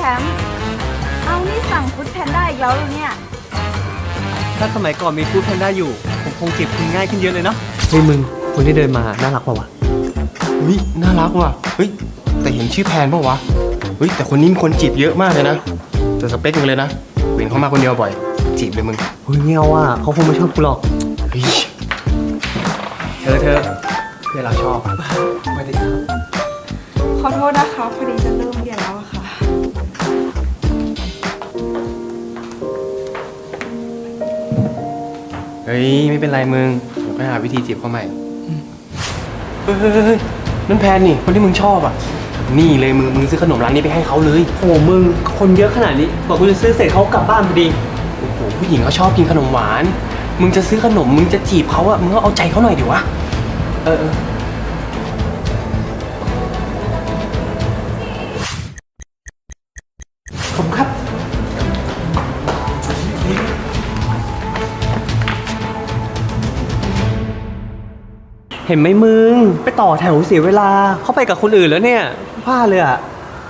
มป์เอานี่สั่งฟู้ดแพนด้าอีกแล้วเหรอเนี่ยถ้าสมัยก่อนมีฟู้ดแพนด้าอยู่ผมคงจีบคุณง่ายขึ้นเยอะเลยเนาะเฮ้ยมึงคนที่เดินมาน่ารักป่าวะเฮ้ยน่ารักว่ะเฮ้ยแต่เห็นชื่อแพนป่าวะเฮ้ยแต่คนนี้มีคนจีบเยอะมากเลยนะเจอสเปคมึงเลยนะเห็นเขามาคนเดียวบ่อยจีบเลยมึงเฮ้ยเงี้ยว่ะเขาคงไม่ชอบกูหรอกเฮ้ยเธอเพื่อนเราชอบสวัสดีครับขอโทษนะคะพอดีจะเริ่มเรียนแล้วอะค่ะเฮ้ยไม่เป็นไรมึงเดี๋ยวไปหาวิธีจีบเขาใหม่เฮ้ยนั่นแพนนี่คนที่มึงชอบอ่ะนี่เลยมึงซื้อขนมร้านนี้ไปให้เขาเลยโอ้มึงคนเยอะขนาดนี้บอกกูจะซื้อเสร็จเขากลับบ้านพอดีโอ้โหผู้หญิงเขาชอบกินขนมหวานมึงจะซื้อขนมมึงจะจีบเขาอ่ะมึงก็เอาใจเขาหน่อยดิวะเออขอบคุณครับเห็นไหมมึงไปต่อแถวเสียเวลาเข้าไปกับคนอื่นแล้วเนี่ยพลาดเลยอ่ะ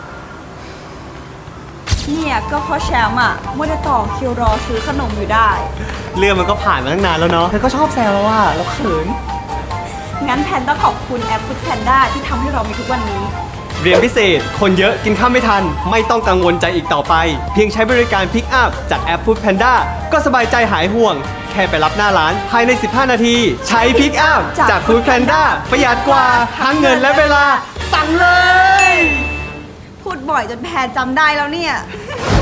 เนี่ยก็เพราะแชมป์อ่ะมัวแต่ต่อคิวรอซื้อขนมอยู่ได้เรื่องมันก็ผ่านมาตั้งนานแล้วเนาะเธอก็ชอบแซวเราอะเราเขินงั้นแพนต้องขอบคุณแอปฟู้ดแพนด้าที่ทำให้เรามีทุกวันนี้เรียนพิเศษ คนเยอะกินข้าวไม่ทัน ไม่ต้องกังวลใจอีกต่อไป เพียงใช้บริการพิกอัพจากแอป Food Panda ก็สบายใจหายห่วง แค่ไปรับหน้าร้านภายใน 15 นาที ใช้พิกอัพจาก Food Panda ประหยัดกว่าทั้งเงินและเวลา สั่งเลยพูดบ่อยจนแพนจำได้แล้วเนี่ย